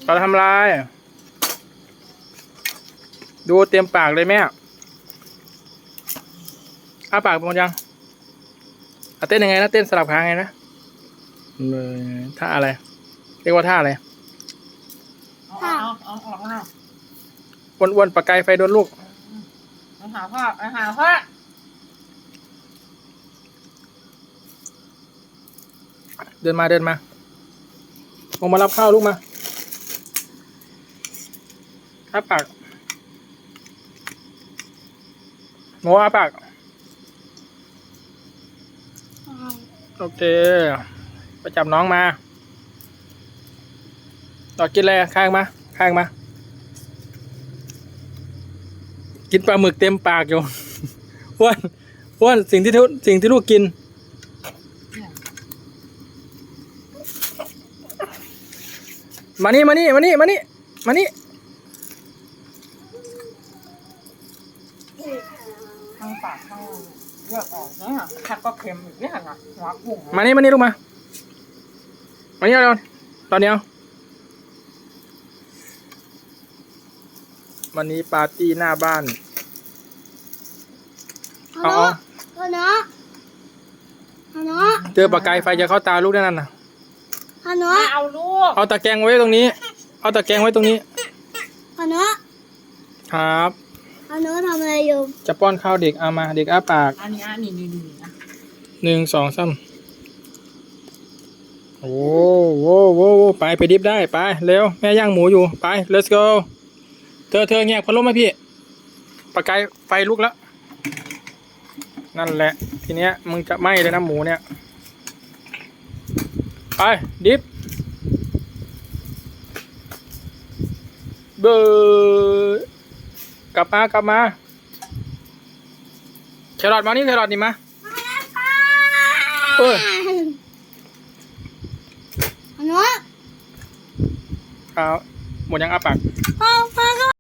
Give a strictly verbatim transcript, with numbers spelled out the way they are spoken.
เราทำลายดูเตรียมปากเลยแม่อ้าปากหมดยังเต้นยังไงนะเต้นสลับขาไงนะท่าอะไรเรียกว่าท่าอะไรเอาเอาเอาออกมาอ้วนๆปากไกไฟโดนลูกไปหาพ่อไปหาพ่อเดินมาเดินมาลงมารับข้าวลูกมาอ้าปากโมอ้าปากโอเคไปจับน้องมาต่อกินอะไรข้างมาข้างมากินปลาหมึกเต็มปากอยู่ อ้วนอ้วนสิ่งที่ทุสิ่งที่ลูกกินมานี่มานี่มานี่มานี่มานี่ทั้งปากทั้งเลือดออกเนี่ยผัดก็เค็มอีกเนี่ยนะหัวกุ้งมานี่มานี่ลูกมามานี่เอาตอนนี้เอาวันนี้ปาร์ตี้หน้าบ้านเอาเอาเอาเนาะเอาเนาะเจอปากกายไฟจะเข้าตาลูกแน่นอนนะเอาเนาะเอาลูกเอาตะแกรงไว้ตรงนี้เอาตะแกรงไว้ตรงนี้เอาเนาะครับเอาเนาะทำอะไรอยู่จะป้อนข้าวเด็กเอามาเด็กอ้าปากอันนี้อันนี้นี่นี่นะหนึ่งสองสามโอ้โหโว้โหไปไปดิฟได้ไปเร็วแม่ย่างหมูอยู่ไป let's go เธอเธอเงียบพัดลมไหมพี่ปากกายไฟลุกแล้วนั่นแหละทีเนี้ยมึงจะไหม้เลยนะหมูเนี่ยไปดิฟเบอร์กลับมากลับมาแครอทมานี่แครอทนี่มาเออเอาเนาะเอาหมดยังอ้าปากพ่อพ่อ